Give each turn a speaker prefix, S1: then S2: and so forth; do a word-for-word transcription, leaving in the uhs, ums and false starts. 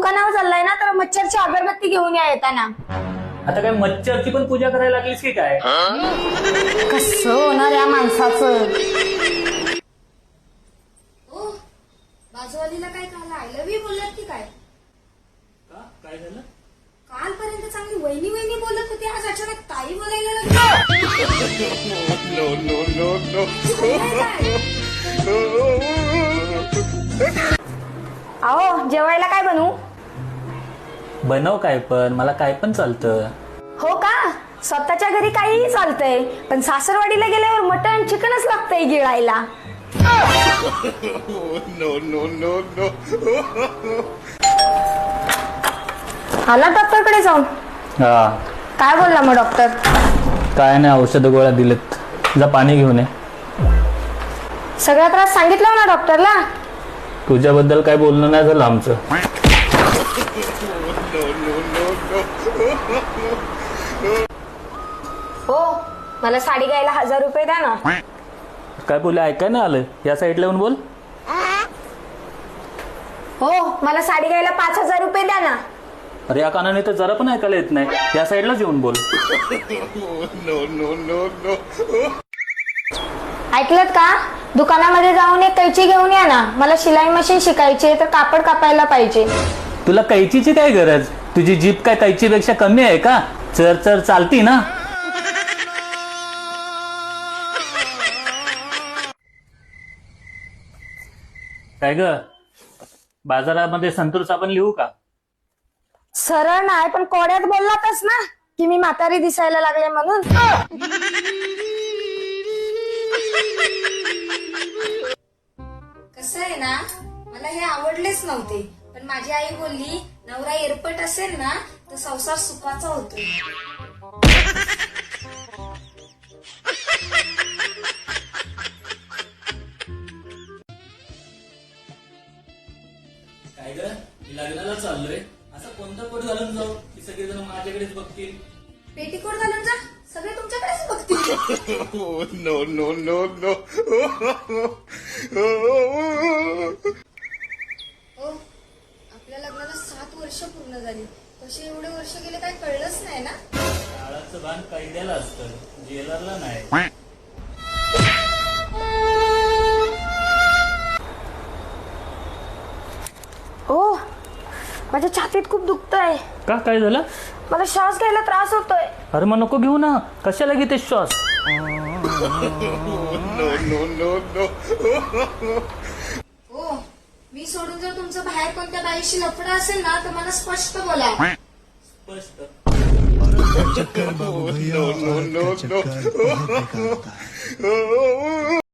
S1: दुकानावर चाललाय ना तर मच्छरची अगरबत्ती घेऊन या येताना.
S2: आता काय मच्छरची पण पूजा करायला लागलीस की काय?
S1: कसं होणार या माणसाचं.
S3: ओ बाजूवालीला काय काल आय लव्ह यू बोललात की काय?
S2: का काय झालं?
S3: कालपर्यंत चांगली वहिनी वहिनी बोलत होती, आज अचानक ताई बोलायला लागली.
S4: No, no, no, no.
S1: अहो जेवायला काय बनवू?
S2: बनव काय पण, मला काय पण चालतं.
S1: हो का? स्वतःच्या घरी काहीही चालतंय, पण सासरवाडीला गेल्यावर मटण चिकनच लागतंय गिळायला.
S4: No, no, no, no.
S1: आला डॉक्टरकडे जाऊन?
S2: हा
S1: काय बोलला मग डॉक्टर?
S2: काय नाही, औषध गोळ्या दिलेत. जा पाणी घेऊन ये.
S1: सगळा त्रास सांगितला ना डॉक्टरला?
S2: तुझ्याबद्दल काय बोलणं नाही झालं आमचं.
S1: हो मला साडी घ्यायला हजार रुपये द्या ना.
S2: काय बोलले ऐकाय नाही आलं? या साईडला येऊन बोल.
S1: हो मला साडी घ्यायला पाच हजार रुपये द्या ना.
S2: अरे या कानाने तर जरा पण ऐकायला येत नाही. या साईडलाच येऊन बोल.
S4: No, no, no, no.
S1: ऐकलत का? दुकानामध्ये जाऊन एक कैची घेऊन या ना. मला शिलाई मशीन शिकायची तर कापड कापायला पाहिजे.
S2: तुला कैचीची काय गरज? तुझी जीप काय कैचीपेक्षा कमी आहे का? चर चर चालती ना. काय ग, बाजारामध्ये संतूर साबण लिहू का?
S1: सरळ नाही पण कोड्यात बोललातच ना की मी म्हातारी दिसायला लागले म्हणून.
S3: कसं आहे ना, मला हे आवडलेच नव्हते, पण माझी आई बोलली नवरा एरपट असेल ना तर संसार सुखाचा होतो.
S2: काय ग, लग्नाला चाललोय, असं कोणता कोट घालून जाऊ की सगळेजण माझ्याकडेच बघतील?
S3: पेटीकोट घालून जा, सगळे तुमच्याकडेच बघतील.
S4: No, no, no, no.
S3: ओ आपल्या लग्नाला सात वर्ष पूर्ण झाली, कसे एवढे वर्ष गेले काय कळलंच नाही ना.
S2: काळाचं भान कैद्याला असतं, जेलरला नाही.
S1: ओ माझ्या छातीत खूप दुखतंय.
S2: का काय झालं?
S1: मला श्वास घ्यायला त्रास होतोय.
S2: अरे मग नको घेऊ ना, कशाला घेते श्वास?
S4: No, no, no, no.
S3: ओ मी सोडून जर तुमचं बाहेर कोणत्या बाईशी लफडं असेल ना तर मला स्पष्ट बोला.
S2: स्पष्ट.
S4: No, no, no, no.